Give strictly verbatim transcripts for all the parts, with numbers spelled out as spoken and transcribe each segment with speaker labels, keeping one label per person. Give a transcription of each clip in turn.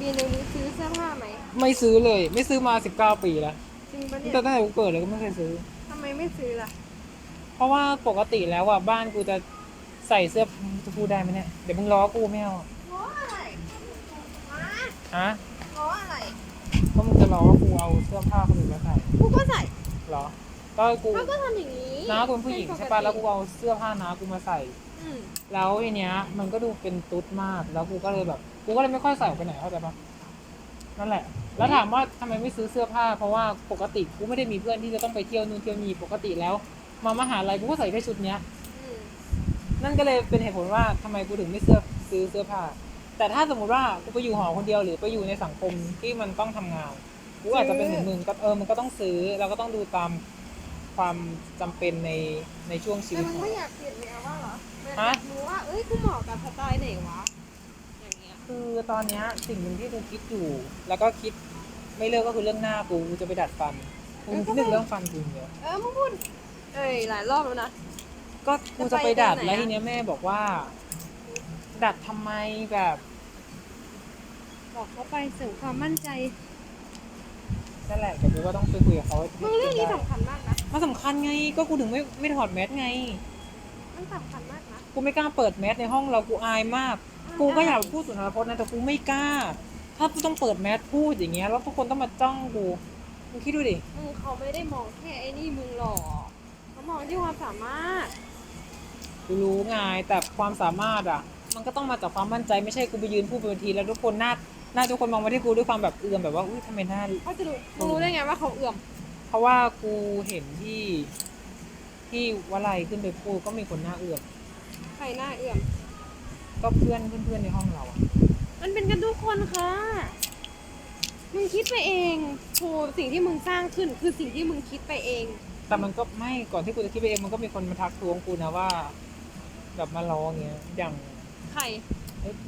Speaker 1: ปีหนึ่งนี้ซื้อเสื้อผ้าไหม
Speaker 2: ไม่ซื้อเลยไม่ซื้อมาสิบเก้าปีแล้ว
Speaker 1: จริงปะเนี่ย
Speaker 2: แต่ตั้งแต่กูเกิดเลยก็ไม่เคยซื้อ
Speaker 1: ทำไมไม่ซื้อล่ะ
Speaker 2: เพราะว่าปกติแล้วอ่ะบ้านกูจะใส่เสื้อจะพูดได้ไหมเนี่ยเดี๋ยวมึงล้อกูไม่เอา
Speaker 1: ง้ออะไรมา
Speaker 2: ฮะ
Speaker 1: ง้ออะไร
Speaker 2: ก็มึงจะล้อว่ากูเอาเสื้อผ้าคนอื่นมาใส่
Speaker 1: กูก็ใส่
Speaker 2: เหรอก็กู
Speaker 1: เขาก็ทำอย่างนี้
Speaker 2: น้ากูเป็นผู้หญิงใช่ป่ะแล้วกูเอาเสื้อผ้าน้ากูมาใส่
Speaker 1: อืม
Speaker 2: แล้วทีเนี้ยมันก็ดูเป็นตุ๊ดมากแล้วกูก็เลยแบบกูก็เลยไม่ค่อยใส่ออกไปไหนเข้าใจปะนั่นแหละแล้วถามว่าทำไมไม่ซื้อเสื้อผ้าเพราะว่าปกติกูไม่ได้มีเพื่อนที่จะต้องไปเที่ยวนู่นเที่ยวนี่ปกติแล้วมามหาลัยกูก็ใส่แค่ชุดเนี้ย
Speaker 1: อืม
Speaker 2: นั่นก็เลยเป็นเหตุผลว่าทำไมกูถึงไม่เสื้อซื้อเสื้อผ้าแต่ถ้าสมมติว่ากูไปอยู่หอคนเดียวหรือไปอยู่ในสังคมที่มันต้องทำงานกูอาจจะเป็นเหมือนมึงก็เออมันก็ต้องซื้อเราก็ต้องดูตามความจำเป็นในในช่วงชีวิ
Speaker 1: แต่
Speaker 2: ตของเรา
Speaker 1: มันไม่อยากเปลี่ยนแนวว่าเหรอแบบอ
Speaker 2: ฮะ
Speaker 1: ยากรู้ว่าเอ้ยกูเหมาะกับสไตล์ไหนวะอย่างเงี้ย
Speaker 2: คือตอนเนี้ยสิ่งหนึ่งที่กูคิดอยู่แล้วก็คิดไม่เลิกก็คือเรื่องหน้ากูกูจะไปดัดฟันกูคิดถึงเรื่องฟันกูเยอะ
Speaker 1: เออมึงพูดเอ้ยหลายรอบแล้วนะ
Speaker 2: ก็กูจะไปดัด
Speaker 1: จะไปเดือนไหนอะ
Speaker 2: แล้วทีเนี้ยแม่บอกว่า ดัดทำไมแบบ
Speaker 1: บอกเขาไปเสริมความมั่นใจ
Speaker 2: นั่นแหละแต่กูก็ต้องไปคุยกับเขาให้
Speaker 1: มึงเรื่องนี้
Speaker 2: ได้
Speaker 1: สำคัญมากนะ
Speaker 2: มันสำคัญไงก็กูถึงไม่ไม่ถอดแมสไง
Speaker 1: มันสำคัญมากนะ
Speaker 2: กูไม่กล้าเปิดแมสในห้องเรากูอายมาก กูก็อยากพูดสุนทรพจน์นะแต่กูไม่กล้า ถ้ากูต้องเปิดแมสพูดอย่างเงี้ยแล้วทุกคนต้องมาจ้องกูมึงคิดดูดิ
Speaker 1: มึงเขาไม่ได้มองแค่ไอ้นี่มึงหรอกเขามองที่ความสามารถ
Speaker 2: กูรู้ไงแต่ความสามารถอ่ะ มันก็ต้องมาจากความมั่นใจไม่ใช่กูไปยืนพูดบนเวทีแล้วทุกคนหน้าหน้าทุกคนมองมาที่กูด้วยความแบบเอื่อมแบบว่าอุ้ยทำไมหน้า
Speaker 1: เขาจะรู้รู้ได้ไงว่าเขาเอื่อม
Speaker 2: เพราะว่ากูเห็นที่ที่วลัยขึ้นไปพูดก็มีคนหน้าเอือม
Speaker 1: ใครหน้าเอื่อม
Speaker 2: ก็เพื่อนเพื่อนๆในห้องเราอะ
Speaker 1: มันเป็นกันทุกคนค่ะมึงคิดไปเองโธสิ่งที่มึงสร้างขึ้นคือสิ่งที่มึงคิดไปเอง
Speaker 2: แต่มันก็ไม่ก่อนที่กูจะคิดไปเองมันก็มีคนมาทักท้วงกูนะว่าแบบมาล้อเงี้ยอย่าง
Speaker 1: ใคร
Speaker 2: เอ้ย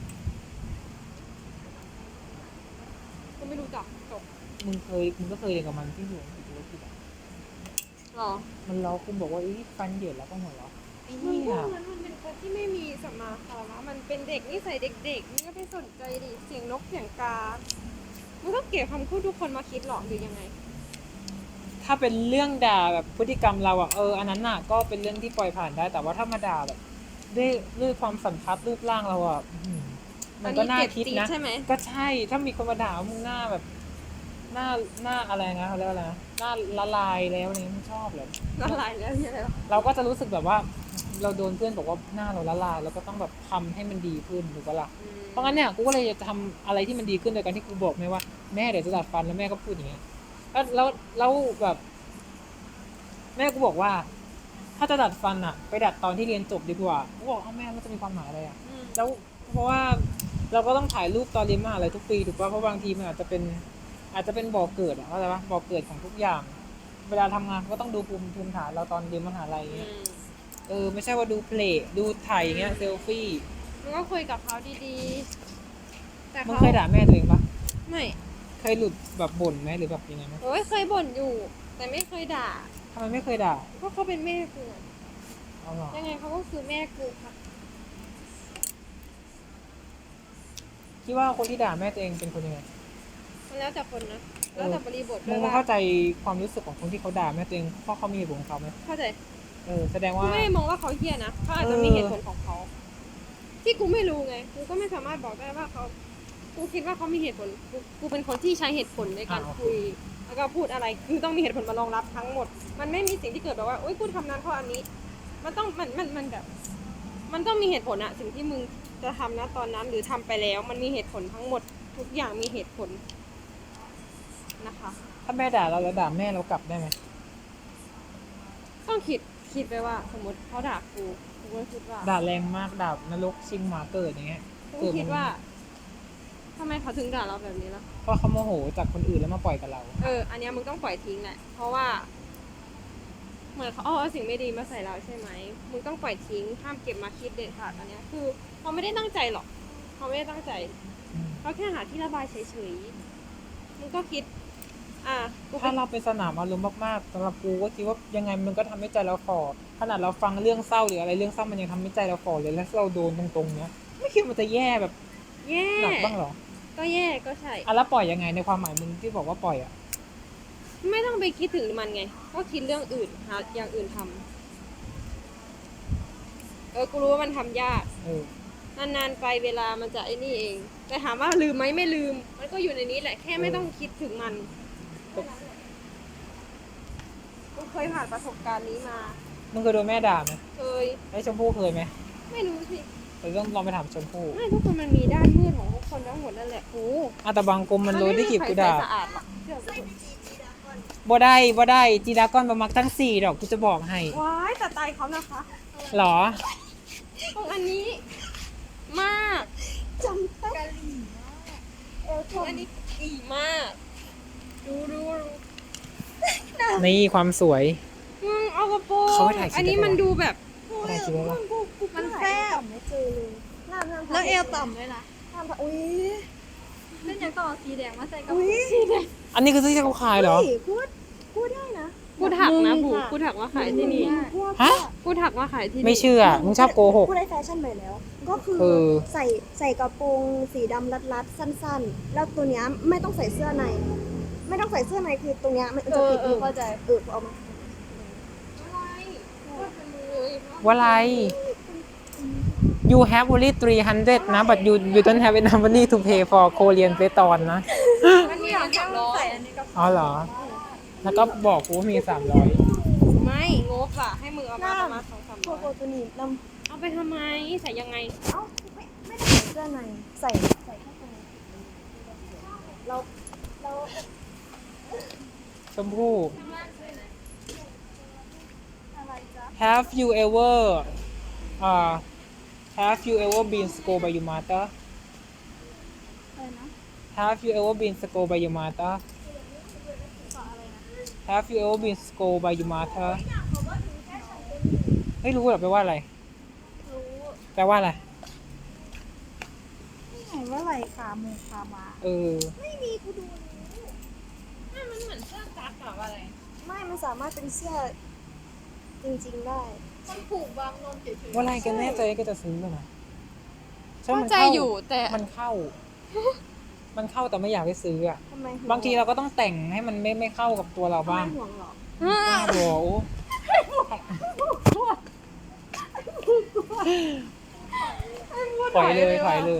Speaker 1: กูไม่รู้จักจบ
Speaker 2: มึงเคยมึงก็เคยเรียนกับมันที่อยู่ที่ธุรกิจอะ
Speaker 1: หรอ
Speaker 2: มันล้อกูบอกว่าเอ้ยฟันเหยินแล้วก็หัวเราะไอ้
Speaker 1: มึง
Speaker 2: เนี่
Speaker 1: พว
Speaker 2: ย
Speaker 1: กนั้นมันเป็นคนที่ไม่มีสัมมาคารวะมันเป็นเด็กนิสัยเด็กๆมึงก็ไปสนใจดิเสียงนกเสียงกามึงต้องเก็บคำพูดทุกคนมาคิดหรอหรือยังไง
Speaker 2: ถ้าเป็นเรื่องด่าแบบพฤติกรรมเราอะเอออันนั้นน่ะก็เป็นเรื่องที่ปล่อยผ่านได้แต่ว่าถ้ามาด่าแบบด้วยด้วยความสันทัดรูปร่างเราอะอื้อหือมันก็น่าคิดนะ
Speaker 1: ใช่ไหม
Speaker 2: ก็ใช่ถ้ามีคนมาด่าว่ามึงหน้าแบบ หน้าหน้าอะไรนะเขาเรียกว่าอะไรนะหน้าละลายแล้วนี่ไม่ชอบเลย
Speaker 1: ละลายแล้วเนี่ยอะไรวะ
Speaker 2: เราก็จะรู้สึกแบบว่าเราโดนเพื่อนบอกว่าหน้าเราละลายแล้วก็ต้องแบบทำให้มันดีขึ้นถูกปะล่ะ
Speaker 1: อืม
Speaker 2: เพราะงั้นเนี่ยกูก็เลยจะทำอะไรที่มันดีขึ้นโดยการที่กูบอกแม่ว่าแม่เดี๋ยวจะดัดฟันแล้วแม่ก็พูดอย่างเงี้ยแล้วแล้วแล้วแบบแม่กูบอกว่า ถ้าจะดัดฟันอะไปดัดตอนที่เรียนจบดีกว่ากูบอกเอ้าแม่มันจะมีความหมายอะไรอะ
Speaker 1: อืม
Speaker 2: แล้วเพราะว่าเราก็ต้องถ่ายรูปตอนเรียนมหาลัยทุกปีถูกป่ะเพราะบางทีมันอาจจะเป็นอาจจะเป็นบ่อเกิดอะเข้าใจป่ะบ่อเกิดของทุกอย่างเวลาทำงานก็ต้องดูภูมิภูมิฐานเราตอนเรียนมหาลัย
Speaker 1: อื
Speaker 2: เงี้ย
Speaker 1: ม
Speaker 2: เออไม่ใช่ว่าดูเพลย์ดูถ่ายอย่างเงี้ยเซลฟี่
Speaker 1: มึงก็คุยกับเขาดีๆแต่
Speaker 2: มึง
Speaker 1: เขา
Speaker 2: เคยด่าแม่ตัวเองปะ
Speaker 1: ไม่
Speaker 2: เคยหลุดแบบบ่นไหมหรือแบบยังไงไหม
Speaker 1: โอ้ยเคยบ่นอยู่ แต่ไม่เคยด่า
Speaker 2: ทำไมไม่เคยด่า
Speaker 1: เพราะเขาเป็นแม่กูอะ
Speaker 2: เอาหรอ
Speaker 1: ยังไงเขาก็คือแม่กูค่ะ
Speaker 2: คิดว่าคนที่ด่าแม่ตัวเองเป็นคนยังไง
Speaker 1: มันแล้วแต่คนนะ
Speaker 2: เอ
Speaker 1: แล้ว
Speaker 2: อ
Speaker 1: แต่บริบท
Speaker 2: มึ
Speaker 1: ด้วยว่า
Speaker 2: งเข้าใจความรู้สึกของคนที่เขาด่าแม่ตัวเองเพราะเขามีเหตุผลของเขาไหม
Speaker 1: เข้าใจ
Speaker 2: เออแสดง
Speaker 1: กู
Speaker 2: ว่า
Speaker 1: ไม่ได้มองว่าเขาเฮี้ยนะเขาอาจจะมีเหตุผลของเขาที่กูไม่รู้ไงกูก็ไม่สามารถบอกได้ว่าเขากูคิดว่าเขามีเหตุผลกูกูเป็นคนที่ใช้เหตุผลในการคุยแล้วก็พูดอะไรคือต้องมีเหตุผลมารองรับทั้งหมดมันไม่มีสิ่งที่เกิดแบบว่าโอ๊ยกูทำนั้นเพราะอันนี้มันต้องมันมันมันแบบมันต้องมีเหตุผลอะสิ่งที่มึงจะทำนะตอนนั้นหรือทำไปแล้วมันมีเหตุผลทั้งหมดทุกอย่างมีเหตุผลนะคะ
Speaker 2: ถ้าแม่ด่าเราแล้วด่าแม่เรากลับได้ไหม
Speaker 1: ต้องคิดคิดไปว่าสมมติเขาด่ากูกูก็คิดว่า
Speaker 2: ด่าแรงมากด่านรกชิงหมาเกิดอย่างเงี้ย
Speaker 1: กูคิดว่าทำไมเขาถึงด่าเราแบบนี้ล่ะ
Speaker 2: เพราะเขาโมโหจากคนอื่นแล้วมาปล่อยกับเรา
Speaker 1: เอออันเนี้ยมึงต้องปล่อยทิ้งแหละเพราะว่าเหมือนเขาเอาเอาสิ่งไม่ดีมาใส่เราใช่ไหมมึงต้องปล่อยทิ้งห้ามเก็บมาคิดเด็ดขาดอันเนี้ยคือเขาไม่ได้ตั้งใจหรอกเขาไม่ได้ตั้งใจเขาแค่หาที่ระบายเฉยๆมึงก็คิดอ่ะกู
Speaker 2: ถ้าเราเป็นสนามอารมณ์มากๆสำหรับกูก็คิดว่ายังไงมันก็ทำให้ใจเราฝ่อขนาดเราฟังเรื่องเศร้าหรืออะไรเรื่องเศร้ามันยังทำให้ใจเราฝ่อเลยแล้วเราโดนตรงๆเนี้ยไม่คิดว่ามันจะแย่แบบ
Speaker 1: แย่
Speaker 2: หนักบ้างหรอ
Speaker 1: ก็แย่ก็ใช่
Speaker 2: อ่ะแล้วปล่อยยังไงในความหมายมึงที่บอกว่าปล่อยอ่ะ
Speaker 1: ไม่ต้องไปคิดถึงมันไง ก็คิดเรื่องอื่นหาอย่างอื่นทำเออ กูรู้ว่ามันทำยาก
Speaker 2: เออ
Speaker 1: นานๆไปเวลามันจะไอ้นี่เอง แต่ถามว่าลืมไหมไม่ลืม มันก็อยู่ในนี้แหละ แค่ไม่ต้องคิดถึงมัน กูเคยผ่านประสบการณ์นี้มา
Speaker 2: มึงเคยโดนแม่ด่าไหม
Speaker 1: เคย
Speaker 2: ไอ้ชมพู่เคยไหม
Speaker 1: ไม่รู้สิ
Speaker 2: เราต้องลองไปถามชมพู่
Speaker 1: ไม่ทุกคนมันมีด้านมืดของทุกคนทั้งหมดนั่นแหละโอ้
Speaker 2: อ่ะแต่บางกลมมันรู้ได้กี่กูด่า
Speaker 1: สะอาดหรอกเชื่อกู
Speaker 2: บ่ได้บ่ได้จีดากอนประมักตั้งสี่ดอกกูจะบอกให้
Speaker 1: ว้ายแต่ตายเขานะคะ
Speaker 2: หรอ
Speaker 1: ตรงอันนี้ มากจำได้เออตรงอันนี้อีมาก ดูดูดู
Speaker 2: นี่ความสวย
Speaker 1: มึงเอากระโปรง
Speaker 2: เขาไปถ่ายคลิป
Speaker 1: อันนี้มันดูแบบ
Speaker 2: ถ่ายคลิปไว้ปะ
Speaker 1: มันแซ่บ
Speaker 3: ไม่เจอเลยน้ำน้ำ
Speaker 1: แล้วเอวต่ำเลยนะ
Speaker 3: น้ำอุ้ย
Speaker 1: เล่นยังต่อสีแดงมาใส่กระ
Speaker 3: อุ้
Speaker 1: โปร
Speaker 3: ย
Speaker 1: งสีแดง
Speaker 2: อันนี้คือที่เขาขายเหรอ
Speaker 3: ฮ้ยพูดพูดได้นะ
Speaker 1: กูถักนะ
Speaker 3: มึง
Speaker 1: บู
Speaker 3: ค่ะ
Speaker 1: กูถักว่าขายที่นี่
Speaker 3: พูด
Speaker 2: ฮะ
Speaker 1: กูถักว่าขายที่นี่
Speaker 2: ไม่เชื่อ มึงชอบโกหก
Speaker 3: พูดได้แฟชั่นไปแล้ว ก็คือ
Speaker 2: เออ
Speaker 3: ใส่ใส่กระโปรงสีดำรัดๆสั้นๆ แล้วตัวเนี้ยไม่ต้องใส่เสื้อใน ไม่ต้องใส่เสื้อในคือตรงเนี้ยมันจะปิด
Speaker 1: เออเออเข้าใจ
Speaker 3: เออเอามา
Speaker 2: ว่าไร you have only three hundred นะ but you you don't have enough money to pay for Korean p e t o n นะ
Speaker 1: มันมีอย่างเดียวใส่อันนี้ก็
Speaker 2: อ๋อเหรอ แล้วก็บอกกูว่ามีสามร้อย
Speaker 1: ไม่งบอะให้มึงเอามาประมาณสองสาม
Speaker 3: พ
Speaker 1: ร้
Speaker 3: ว
Speaker 1: อก ย
Speaker 3: โกตัวนี้น
Speaker 1: เอาไปทำไมใส่ยังไง
Speaker 3: ำเอ้าไม่ไม่ได้ใส่เสื้อใน ใส่ใส่แค่ตรงนี้เราเรา
Speaker 2: ชมพู่
Speaker 3: อะไรจ๊ะ
Speaker 2: have you ever uh have you ever been scolded by your mother
Speaker 3: อะไรนะ
Speaker 2: have you ever been scolded by your mother have you ever been scolded by your mother ไม่รู้หรอแปลว่าอะไร
Speaker 3: รู้
Speaker 2: แปลว่าอะไร
Speaker 3: นี่ไงว่าอะไรขาหมูขามา
Speaker 2: เออ
Speaker 3: ไม่มีกูดู
Speaker 1: ไม่มันเหมือนเสื้อกั๊กหรืออะไร
Speaker 3: ไม่ มันสามารถเป็นเสื้อจริงๆได้
Speaker 1: มันผูกบางนมเฉย
Speaker 2: ว่าอะไรกันแน่ใจก็จะซื้อนะ
Speaker 1: ๆ
Speaker 2: ช่าง
Speaker 1: เข้า
Speaker 2: มัน
Speaker 1: ใจ
Speaker 2: เข้า
Speaker 1: อยู่แต่
Speaker 2: มันเข้า มันเข้าแต่ไม่อยากให้ซื้ออ่ะ
Speaker 3: ทำไมห่วง
Speaker 2: บางทีเราก็ต้องแต่งให้มันไม่ไม่เข้ากับตัวเรา
Speaker 3: ทำไม
Speaker 2: บ้าง
Speaker 3: ห่วงเหรอ
Speaker 2: บ้าบอโอ้ถอยเลยถอยเลย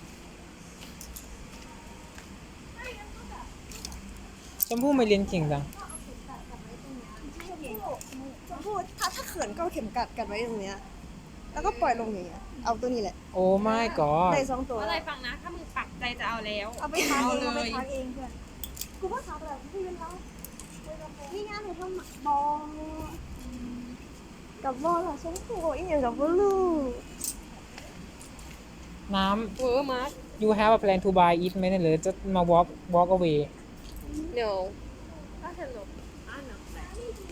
Speaker 2: ชมพู่ไม่เรียนเก่งจัง
Speaker 3: ชมพู่ถ้าถ้าเขินก็เอาเข็มกัดกันไว้ตรงเนี้ย แล้วก็ปล่อยลงอย่างเงี้ย เอาตัวนี้แหละ
Speaker 2: โอ้ไม่กอด
Speaker 3: ได้สองตัว
Speaker 1: อะไรฟังนะ ถ้ามึงปักใจจะเอาแล้ว
Speaker 3: เอาไปทานเอง
Speaker 1: เอา
Speaker 3: เอา
Speaker 1: เล
Speaker 3: ไป
Speaker 1: ย
Speaker 3: ทานเองเพื่อน กูว่าทำแบบพี่ยืนแล้วนี่งานหนูทำบอลกับบอลอะชมพู่อีกอย่างกับบอลลูก
Speaker 2: น้
Speaker 1: เวอร์มาร์ค
Speaker 2: ำ you have a plan to buy it ไหมเนี่ยหรือจะมา walk walk away
Speaker 1: no ถ้าเธอหลบอ่านหนังแต่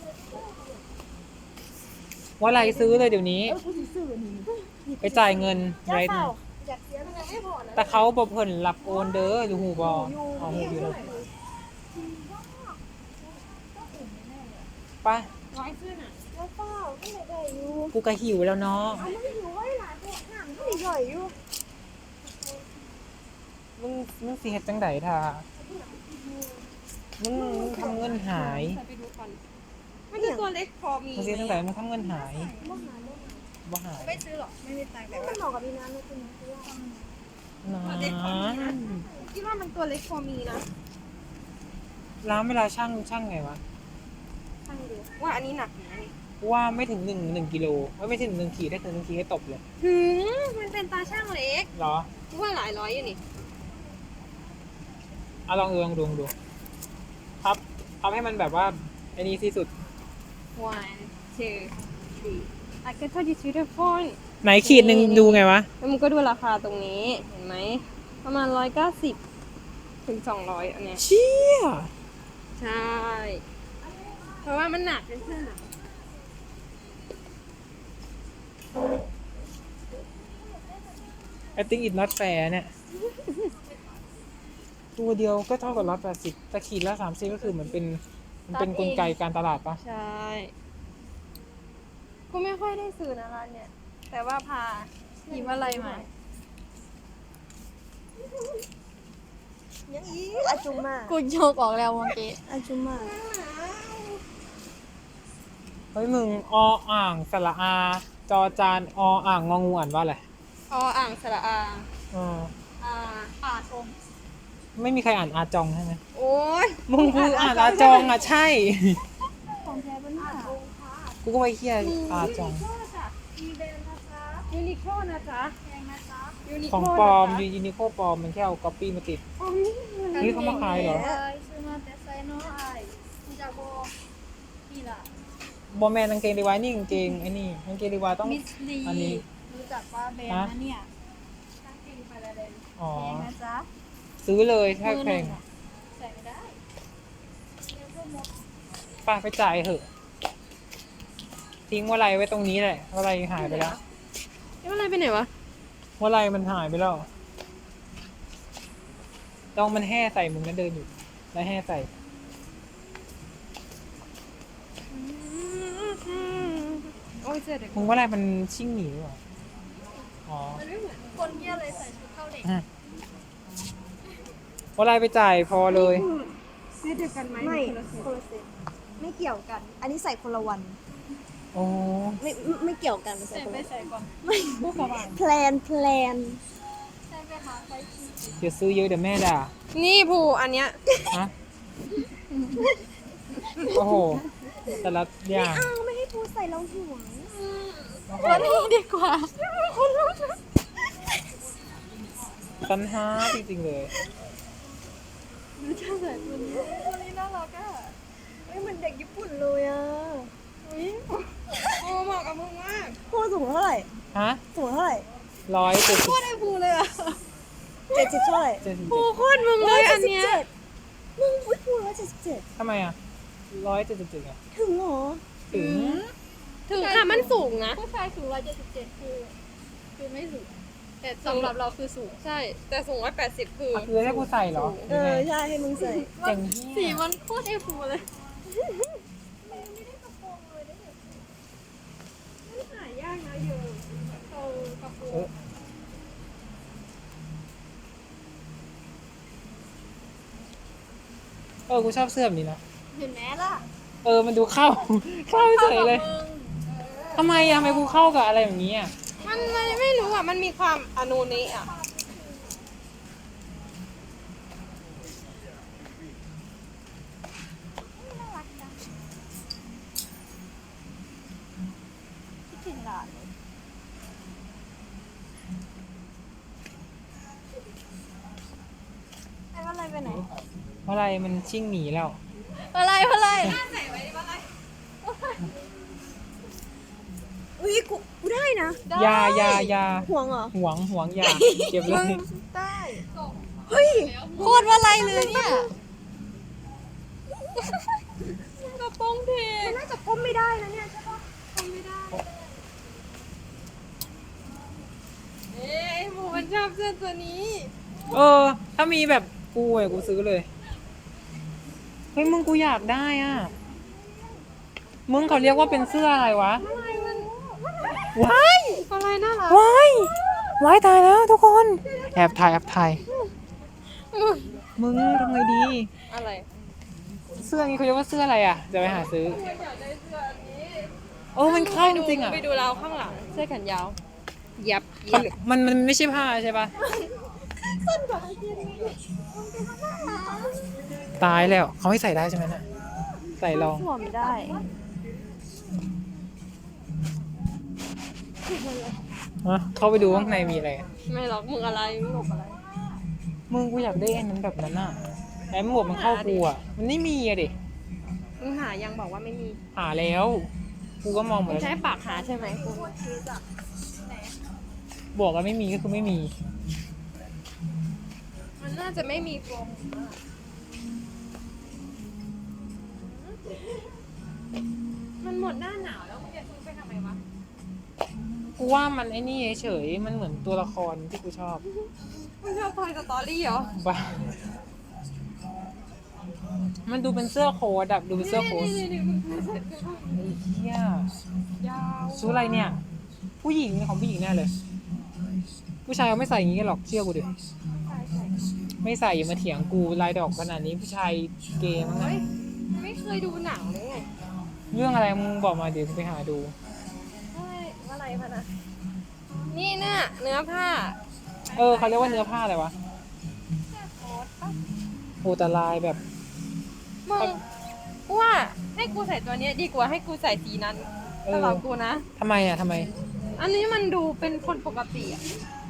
Speaker 2: ว่าอะไรซื้อเลยเดี๋ยวนี้
Speaker 3: เออกูสิซื้ออันนี้
Speaker 2: ไปจ่ายเงิน
Speaker 3: อย่า
Speaker 2: ไร
Speaker 3: เปล่าอยากเสียมันยังไม่พอนะ
Speaker 2: แต่เขาบอกเพิ่นรับโอนเด้ออยู่หูบอเอาหูอยู่เลยไป
Speaker 1: ร้อยเสื้อน่ะ
Speaker 3: อย่าเปล่าไม่ได้อยู่
Speaker 2: กูก็หิวแล้วเนาะ
Speaker 3: เอามันอยู่ไว้หลายพวกหนังก็ใหญ่อยู่
Speaker 2: มึงมึงสิเฮ็ดจังไดท่ามึงมึงทำเงินหาย
Speaker 1: ใส่ไปดูก่อนมันคือตัวเล็กพอมี
Speaker 2: มึงสิเฮ็ดจังไดมึงทำเงินหาย
Speaker 3: บ่หาบ่หา
Speaker 2: บ่หาย
Speaker 1: ไม่ซื้อหรอกไม่มีตังค์แต่
Speaker 3: แต่
Speaker 1: ว่า
Speaker 3: มันเหมาะกับพี่น้ำนะคุณคือว่า
Speaker 2: นะ
Speaker 1: คิดว่ามันตัวเล็กพอมีนะ
Speaker 2: ร้านเวลาช่างช่างไงวะ
Speaker 1: ช่างดูว่าอันนี้หนักอยู่นะนี่
Speaker 2: กูว่าไม่ถึงหนึ่งหนึ่งกิโลไม่ไม่ถึงหนึ่งขีดได้ถึงหนึ่งขีดให้ตบเลย
Speaker 1: ถึงมันเป็นตาช่างเล็ก
Speaker 2: เหรอ
Speaker 1: กูว่าหลายร้อยอยู่นี่
Speaker 2: เอาลองดูลองดูลองดูครับทำให้มันแบบว่าไอ้นี้ที่สุด
Speaker 1: one two three I can touch you to the phone
Speaker 2: ไหนขีดหนึ่งดูไงวะ
Speaker 1: แล้วมึงก็ดูราคาตรงนี้เห็นไหมประมาณร้อยเก้าสิบถึงสองร้อยอันเนี้ย
Speaker 2: เชี่ย
Speaker 1: ใช่ เพราะว่ามันหนักเป็นเสื้อหนัก
Speaker 2: I think it's not fair เนี่ยตัวเดียวก็เท่ากับร้อยแปดสิบแต่ขีดละสามสิบก็คือเหมือนเป็นมันเป็นกลไกการตลาดปะ
Speaker 1: ใช่กูไม่ค่อยได้ซื้อนะร้านเนี่ย แต่ว่าพาหยิบอะไรมา
Speaker 3: ยังอีอาจุมา
Speaker 4: กูโยกออกแล้วเมื่อกี้
Speaker 3: อาจุมา
Speaker 2: เฮ้ยมึงออ่างสระอา จอจานออ่างงองูอ่านว่าอะไร
Speaker 1: ออ่างสระอา
Speaker 2: เออ
Speaker 1: อ่า
Speaker 4: ป่าชม
Speaker 2: ไม่มีใครอ่านอาจองใช่ไหม
Speaker 1: โอ้ย
Speaker 2: มึงกูอ่านอาจองอ่ะใช่
Speaker 3: ของแท้ปะเนี่ย
Speaker 2: กูก็ไปเครียดอาจอง
Speaker 1: ยูนิโคนะจ๊ะยูนิโค
Speaker 2: ของปลอมยูนิโคปลอมมันแค่เอาก๊อปปี้มาติด
Speaker 1: อ๋อนี่
Speaker 2: นี่เขามาขายเหรอ
Speaker 4: ไอซื้อมาแต่ไซโนไอมันจะโบนี่ล่ะ
Speaker 2: บอแมนกางเกงดีไว้นี่กางเกงไอ้นี่กางเกงดีไว้ต้อง
Speaker 4: มิสลี
Speaker 2: อันนี้
Speaker 4: รู้จักว่าแบรนด์นะเนี่ย
Speaker 2: อ๋อ
Speaker 4: แพงนะจ๊ะ
Speaker 2: ซื้อเลยถ้าแพง
Speaker 4: ใส่ไม่ได้
Speaker 2: ป้าไปจ่ายเถอะ ทิ้งว่าไรไว้ตรงนี้แหละว่าไรหายไปแล้ว
Speaker 1: เอ๊ะอะไรไปไหนวะ
Speaker 2: ว่าไรมันหายไปแล้วต้องมันแห่ใส่มึงนั่นเดินอยู่ แล้วแห่ใส่
Speaker 1: โอ้ยเจอเด็ก
Speaker 2: มึงว่าไรมันชิ่งหนีหรือเปล่าอ๋อ
Speaker 4: คนเยี่ยเลยใส่ชุดเข้าเด็ก
Speaker 2: อ่ะว่าไรไปจ่ายพอเลย
Speaker 1: เซตเดียวกันไหม
Speaker 3: ไม่
Speaker 1: คนละเซต
Speaker 3: คนละเซตไม่เกี่ยวกัน อันนี้ใส่คนละวัน
Speaker 2: โอ้
Speaker 3: ไม่ไม่ไม่เกี่ยวกันใส่
Speaker 4: ใส่
Speaker 3: คน
Speaker 4: ไป
Speaker 3: ละ
Speaker 4: ใส่ก่อน
Speaker 3: แพลนแพลน
Speaker 4: ใส่ไปหาไปที่
Speaker 2: เดี๋ยวซื้อเยอะเดี๋ยวแม่ด่า
Speaker 1: นี่ภูอันเนี้ย
Speaker 2: ฮะโอ้โห แต่ละอย่าง
Speaker 3: อ้าวไม่ให้พูดใส่เราห่วง
Speaker 4: ตัวนี้ดีกว่า
Speaker 2: ตันหาจริงๆเลย
Speaker 4: ตัวนี้น่ารักอ่ะ
Speaker 3: เฮ้ยเหมือนเด็กญี่ปุ่นเลยอ่ะ
Speaker 1: โอ้เหมาะกับมึงมาก
Speaker 3: พูดสูงเท่าไหร่
Speaker 2: ฮะ
Speaker 3: สูงเท่าไหร่
Speaker 2: ร้อยเจ็ดสิบ
Speaker 4: ได้ภูเลยอ่ะ
Speaker 3: เจ็ดสิบเท่าไหร่
Speaker 2: เจ็ดสิบ
Speaker 1: ภูโคตรมึงเลยอันเนี้ย
Speaker 3: มึงอุ้ยพูดร้อยเจ็ดสิบเจ็ด
Speaker 2: ทำไมอ่ะร้อยเจ็ดสิบเจ็ดอ่ะ
Speaker 3: ถึงเหรอ
Speaker 2: ถึง
Speaker 1: ถึงค่ะมันสูงนะ
Speaker 4: ผู้ชายสูงร้อยเจ็ดสิบเจ็ดคือคือไม่สูง แต่สำหรับเราคือสูง
Speaker 1: ใช่ แต่สูงร้อยแปดสิบคือ
Speaker 2: อ่ะคือให้กูใส่เหรอ
Speaker 3: เออใช่ให้มึงใส่
Speaker 2: เจ๋ง
Speaker 4: สี
Speaker 2: ที่
Speaker 4: มันโคตรเอฟูเลย
Speaker 1: หายากนะเยอะเออกระโปร
Speaker 2: เอง อเออกูชอบเสื้อแบบนี้นะ
Speaker 4: เห็นไหมล่ะ
Speaker 2: เออมันดูเข้า เข้าเฉยเลยทำไมอ่ะทำไมกูเข้ากับอะไรแบบนี้อ่ะ
Speaker 1: มันมันไม่รู้อ่ะ มันมีความอนูนี้อ่ะ
Speaker 3: คิดถึงหลานเลยไอ้ว่าอะไรไปไหน
Speaker 2: เพราะอะไรมันชิ่งหนีแล้ว
Speaker 4: อะไรอะไร
Speaker 3: อุ้ยกูกูได้นะ
Speaker 2: ยายายา
Speaker 3: ห่วงเหรอ
Speaker 2: หวงหวงยาเก็บเลย
Speaker 3: ได้เฮ้ย
Speaker 4: โคตรว่าอะไรเลยเนี่ย
Speaker 1: กระโปรงเท
Speaker 3: มันน่าจะก้มไม่ได้นะเนี่ยใช่ปะ
Speaker 1: ทำไม่ได้ เอ๊ะไอ้หมูมันชอบเสื้อตัวนี้
Speaker 2: เออ ถ้ามีแบบกูอ่ะกูซื้อเลยเฮ้ยมึงกูอยากได้อ่ะมึงเขาเรียกว่าเป็นเสื้ออะไรวะว้าย
Speaker 1: อะไรน่ารัก
Speaker 2: ว้ายว้ายตายแล้วทุกคนแอบถ่ายแอบถ่ายมึงทำไงดี
Speaker 1: อะไร
Speaker 2: เสื้อนี้เขาเรียกว่าเสื้ออะไรอ่ะเดี๋ยวไปหาซื้อเออมันเข้าจริงๆอ่ะ
Speaker 1: ไปดูเราข้างหลัง เสื้อแขนยาว ยับ
Speaker 2: เขามันมันไม่ใช่ผ้าใช่ปะตายแล้วเขาให้ใส่ได้ใช่ไหมน่ะใส่ลอง
Speaker 3: สวมได้
Speaker 2: ฮะเข้าไปดูข้างในมีอะไร
Speaker 1: ไม่หรอกมึงอะไรมึงหลบอะไร
Speaker 2: มึงกูอยากได้อันนั้นแบบนั้นอ่ะไอ้หมวกมันเข้ากูอ่ะมันไม่มีอะดิ
Speaker 1: มึงหายังบอกว่าไม่มี
Speaker 2: หาแล้วกูก็มองหม
Speaker 1: มึ
Speaker 2: ด
Speaker 1: ง
Speaker 2: แล้ว
Speaker 1: ใช้ปากหาใช่ไหมกู
Speaker 2: บอกว่าไม่มีก็คือไม่มี
Speaker 1: มันน่าจะไม่มีโฟมมันหมดหน้าหนาวแล้วมึงจะซื้อไปทำไมวะ
Speaker 2: กูว่ามันไอ้นี่เฉยๆมันเหมือนตัวละครที่กูชอบ
Speaker 1: มึงชอบทอยสตอรี่เหรอ
Speaker 2: บ้ามันดูเป็นเสื้อโค้ทอะดูเป็นเสื้อโค้ท
Speaker 1: นี่ๆๆมึงดูเสร็จกูว่า
Speaker 2: ไอ้เหี้ย
Speaker 1: ยาว
Speaker 2: ซื้ออะไรเนี่ย ผู้หญิงของผู้หญิงแน่เลย ผู้ชายเขาไม่ใส่อย่างงี้กันหรอกเชื่อกูดิไม่ใส่อย่ามาเถียงกูลายดอกขนาดนี้ผู้ชายเกย์มั้ง
Speaker 1: เฮ้
Speaker 2: นะ
Speaker 1: ยไม่เคยดูหนังเลยไง
Speaker 2: เรื่องอะไรมึงบอกมาเดี๋ยวกูไปหาดู
Speaker 1: เฮ้ยอะไรพะนะนี่น่ะเนื้อผ้า
Speaker 2: เออเขาเรียกว่าเนื้อผ้าอะไรวะ
Speaker 1: โค้ทปะ
Speaker 2: โอแต่ลายแบบ
Speaker 1: มึงกูว่าให้กูใส่ตัวเนี้ยดีกว่าให้กูใส่สีนั้น
Speaker 2: เออ
Speaker 1: สำหรับกูนะ
Speaker 2: ทำไมอ่ะทำไม
Speaker 1: อันนี้มันดูเป็นคนปกติอ่ะ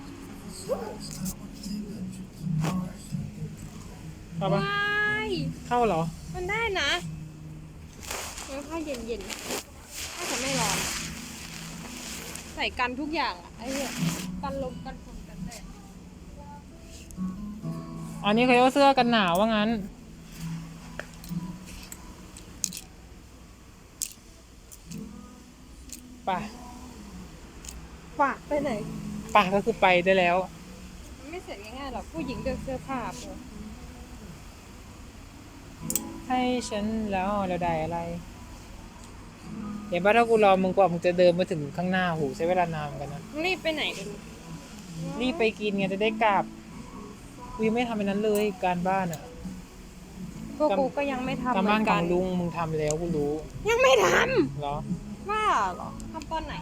Speaker 2: เข้าปะ
Speaker 1: ว้าย
Speaker 2: เข้าเหรอ
Speaker 1: มันได้นะเนื้อผ้าเย็นๆน่าจะไม่ร้อน ใส่กันทุกอย่างอ่ะไอ้เนี่ยกันลมกันฝนกันแดด
Speaker 2: อันนี้เขาเรียกว่าเสื้อกันหนาวว่างั้น ไป่ะ
Speaker 1: ฝากไปไหน
Speaker 2: ป่ะก็คือไปได้แล้ว
Speaker 1: มันไม่เสร็จง่ายๆหรอกผู้หญิงเลือกเสื้อผ้าปะ
Speaker 2: ให้ฉันแล้วเราได้อะไรเห็นป่ะถ้ากูรอมึงกว่ามึงจะเดินมาถึงข้างหน้าหูใช้เวลานานเหมือนกันนะ
Speaker 1: รีบไปไหนกัน
Speaker 2: รีบไปกินไงจะได้กลับกูยังไม่ทำไปนั้นเลยการบ้านอ่ะ
Speaker 1: พวกกูก็ยังไม่ทำ
Speaker 2: การ
Speaker 1: เหมื
Speaker 2: บ้า
Speaker 1: อน น
Speaker 2: ข
Speaker 1: กั
Speaker 2: อน งลุงมึงทำแล้วกูรู้
Speaker 1: ยังไม่ท
Speaker 2: เหรอ
Speaker 1: ำว่าเหรอทำตอนไหน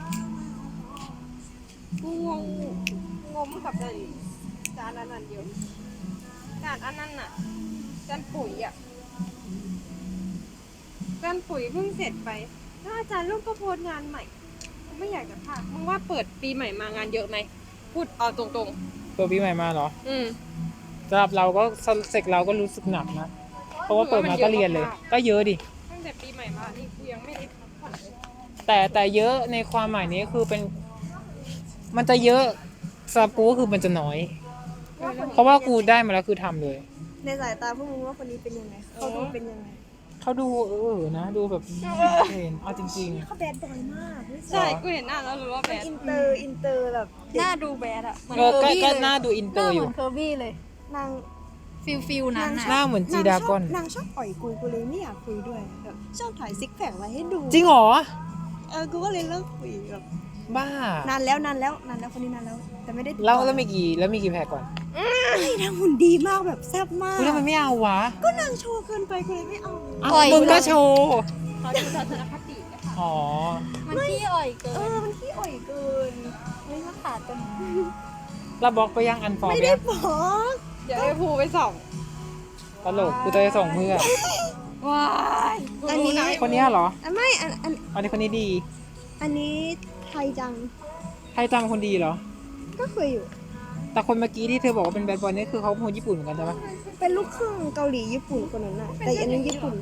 Speaker 1: กูงงงงกับจานจานอันนั้นเดียวจานอันนั้นน่ะจานปุ๋ยอ่ะจานปุ๋ยเพิ่งเสร็จไปแล้วอาจารย์ลูกก็โพสต์งานใหม่กูไม่อยากจะพลาดมึงว่าเปิดปีใหม่มางานเยอะไหมพูดเอาตรง
Speaker 2: ตัวปีใหม่มาเหรอ
Speaker 1: ๆ อืม
Speaker 2: สำหรับเราก็เสกเราก็รู้สึกหนักนะเพราะว่าเปิดมาก็เรียนเลย ก็เยอะดิ
Speaker 1: ตั้งแต่ปีใหม่มานี่กูยังไม่ได้พักผ่อนเลย
Speaker 2: แต่แต่เยอะในความหมายนี้คือเป็น มันจะเยอะสำหรับกูก็คือมันจะน้อย เพราะว่ากูได้มาแล้วคือทำเลย
Speaker 3: ในสายตาพวกมึงว่าคนนี้เป็นยังไงเขาดูเป็นยังไง
Speaker 2: เขาดูเออนะดูแบบเห็นเอาจริง
Speaker 3: เขาแบดบอยมากไม่
Speaker 1: ใช่กูเห็นหน้าแล้วรู้ว่าแบ
Speaker 3: เป็น
Speaker 1: บ
Speaker 3: อินเตอร์อินเตอร์แบบ
Speaker 4: หน้าดูแบดอะเหมื
Speaker 2: ๆ
Speaker 4: อน
Speaker 2: เออ
Speaker 4: เคอ
Speaker 2: ก็
Speaker 4: ร์บี้
Speaker 2: ก็
Speaker 4: เลย
Speaker 2: หน้าดูอิน
Speaker 4: ห
Speaker 2: เตอ
Speaker 4: น้า
Speaker 2: ร์อ
Speaker 4: เหมื
Speaker 2: ยู่
Speaker 4: อนเคอร์บี้เลย
Speaker 3: นาง
Speaker 4: ฟิลฟิลนั้น
Speaker 2: หน้า
Speaker 4: อะ
Speaker 2: เหมือนจีดากอน
Speaker 3: นางชอบอ่อยกูกูเลยไม่อยากคุยด้วยแบบชอบถ่ายซิกแพคไว้ให้ดู
Speaker 2: จริงเหรอ
Speaker 3: เออกูก็เลยเลิกคุยแบบ
Speaker 2: บ้าน
Speaker 3: านแล้วนานแล้วนานแล้วคนนี้นานแล้ว แต่ไม่ได้ติดต่อ
Speaker 2: แล้วแล้วมีกี่แล้วมีกี่แพรก่อน
Speaker 3: เฮ้ยนางหุ่นดีมากแบบแซ่บมาก
Speaker 2: กูทำไมไม่เอาวะ
Speaker 3: ก็นางโชว์เกินไปกูเลยไม่เอา
Speaker 2: อ้าวมึงก็โชว์
Speaker 1: เขาดูทัศนคติอะค่ะ
Speaker 2: อ๋อ
Speaker 4: มันขี้อ่อยเกิ
Speaker 3: เอน อมันขี้อ่อยเกิน
Speaker 4: ไม่มาขาดกัน
Speaker 2: แล้วบล็อกไปยังอันฟอร์
Speaker 3: ไม่
Speaker 2: ไป
Speaker 3: ได้
Speaker 2: ยัง
Speaker 3: บอก
Speaker 1: เดี๋ยวไอ้ภูไปส่อง
Speaker 2: ตลกกูจะไปส่งเพื่อ
Speaker 1: ว้ายกูรู้ะ
Speaker 2: คนเนี้ยเหรอ
Speaker 3: อันไม่อันอัน
Speaker 2: อันนี้คนนี้ดี
Speaker 3: อันนี้ไทยจัง
Speaker 2: ใครจำคนดีเหรอ
Speaker 3: ก็เคยอยู่
Speaker 2: แต่คนเมื่อกี้ที่เธอบอกว่าเป็นแบดบอยนี่คือเขาเป็นคนญี่ปุ่นเหมือนกันใช่ปะ
Speaker 3: เป็นลูกครึ่งเกาหลีญี่ปุ่นคนนั้นน่ะแต่อันนี้ญี่ปุ่น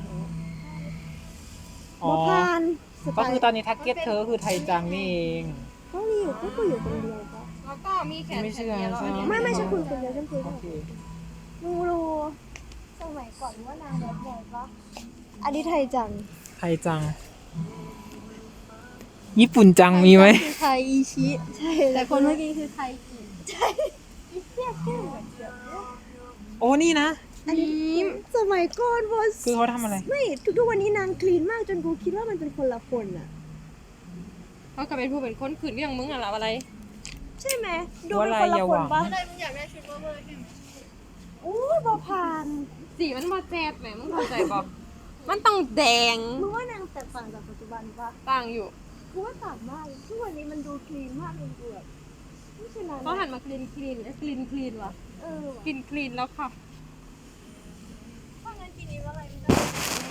Speaker 2: อ๋อ
Speaker 3: บ่พานสไต
Speaker 2: ก็คือ
Speaker 3: ล์
Speaker 2: ตอนนี้ทักเก็ตเธอคือไทยจังนี่เอง
Speaker 3: ก็มีอยู่ก็คุยอยู่คนเดียวปะ
Speaker 1: แล้วก็มีแขน
Speaker 2: ไม่เชื่อ
Speaker 1: แขนเดียวแล้วอันนี้
Speaker 3: ไม่ไม่ใช่คุยคนเดียวฉันคุย
Speaker 2: โอ
Speaker 3: ด้วย
Speaker 2: เค
Speaker 3: มึงรู้สมัยก่อนว่านางแบบบ่อยปะอันนี้ไทยจัง
Speaker 2: ไทยจัง ญี่ปุ่นจังมีไหม
Speaker 4: คือไทยอีชิ
Speaker 3: ใช่
Speaker 4: แต่คนเมื่อกี้คือไทยอี
Speaker 2: โอ้นี่นะ
Speaker 3: อันนี้สมัยก่อนบอส
Speaker 2: คือเขาทำอะไร
Speaker 3: ไม่ทุกๆวันนี้นางคลีนมากจนกูคิดว่ามันเป็นคนละคนอ่ะ
Speaker 1: เขาก็เป็นผู้เป็นคนขืนเรื่องมึงอะอะไร
Speaker 3: ใช่ไหมดูเป็นคนละคนปะ
Speaker 4: อะไรมึงอยากได้ชุดเบอร์เบอร์ใช่ไหม
Speaker 3: อู้ยบอพาน
Speaker 1: สีมันมาแจ๊ดแหมมึงเข้าใจบอกมันต้องแดง
Speaker 3: มึงว่านางแตกต่างจากปัจจุบันปะ
Speaker 1: ต่างอยู่
Speaker 3: กูว่าต่างมากทุกวันนี้มันดูคลีนมากเลยกูแบบไม่ใช่นาง
Speaker 1: เขาหันมาคลีนคลีนคลีนคลีนว่ะ
Speaker 3: เออว่ะ
Speaker 1: คลีนคลีนแล้วค่ะ
Speaker 3: ถ้างั้นทีนี้ว่าอะไรไม่ได้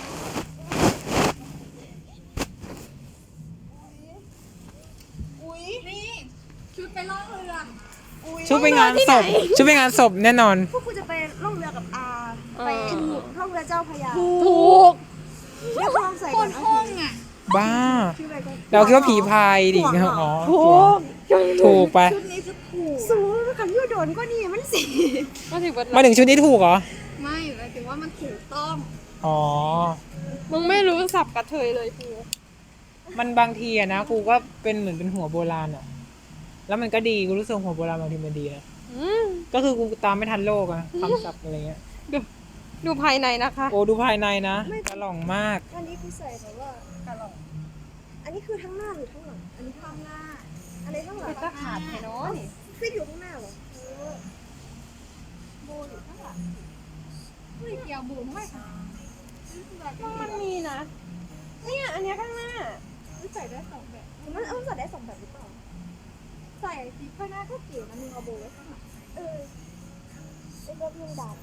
Speaker 3: อุ้ย
Speaker 4: นี่ชุดไปล่องเรือ
Speaker 3: อุ้ย
Speaker 2: ชุดไปงานศพชุดไปงานศพแน่นอน
Speaker 3: พวกกูจะไปล่องเรือกับอาไปล่องเรือเจ้าพระยา
Speaker 1: ถูก
Speaker 3: เรียกความใส่
Speaker 4: โค
Speaker 3: ก่อน
Speaker 4: ตร
Speaker 3: นะ
Speaker 4: ห้องอะ
Speaker 2: บ้า
Speaker 3: ชื่ออะไรก่อน
Speaker 2: เราคิดว่าผีพายดิอ๋อ
Speaker 1: ถูก
Speaker 2: ถูกไป
Speaker 3: ชุดนี้จะถูกสูงขันยูโดนก็นี่มันสิ
Speaker 1: มาถึงวัน
Speaker 2: มาถึงชุดนี้ถูกเหรอ
Speaker 4: ไม่หมายถึงว่ามันถูกต้อง
Speaker 2: อ๋อ
Speaker 1: มึงไม่รู้สับกระเทยเลยภู
Speaker 2: มันบางทีอะนะกูก็เป็นเหมือนเป็นหัวโบราณอะแล้วมันก็ดีกูรู้สึกหัวโบราณบางทีมันดีนะ
Speaker 1: อืม
Speaker 2: ก็คือกูตามไม่ทันโลกอะคำศัพท์อะไรเงี้ย
Speaker 1: ดูดูภายในนะคะ
Speaker 2: โอ้ดูภายในนะกระหล่องมาก
Speaker 3: อันนี้คือใส่แบบว่ากะหล่องอันนี้คือทั้งหน้าหรือทั้งหลังอันนี้ข้างหน้า อันนี้ข้างหลัง
Speaker 1: เป็นตะขาดไงเนาะนี่
Speaker 3: ฟิตอยู่ข้างหน้าเหรอเออโบอยู่ข้างหลัง
Speaker 4: เฮ้ยเกี่ยวบูมไม่ค่ะ
Speaker 1: มันมีนะ เนี่ยอันเนี้ยข้างหน้า
Speaker 4: ใส่ได้สองแบบ
Speaker 3: มันเอาใส่ได้สองแบบหรือเปล่า
Speaker 4: ใส่สีข้างหน้าก็เก๋นะมึงเอาโบไว้ข้างหลัง
Speaker 3: เออไอ้เรื่องยิงดาบอะ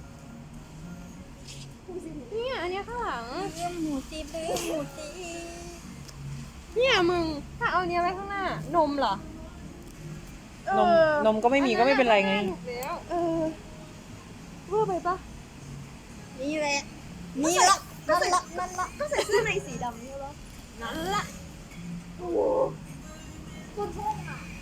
Speaker 1: เนี่ยอันเนี้ยข้างหลัง
Speaker 3: เรื่องหมูจีบเรื่องหมูจีบ
Speaker 1: เนี่ยมึง ถ้าเอาเนี้ยไว้ข้างหน้า นมเหรอ
Speaker 2: นมนมก็ไม่มีก็ไม่เป็นไรไง
Speaker 1: ถูกแล้ว
Speaker 3: เออเวอร์ไปปะ
Speaker 4: นี่แหละ
Speaker 3: นี่ละนั่นละนั่นละก็ใส่เสื้อในสีดำนี่แล้ว
Speaker 1: นั่นละ
Speaker 3: โอ้โห
Speaker 4: คนท่องอ่ะ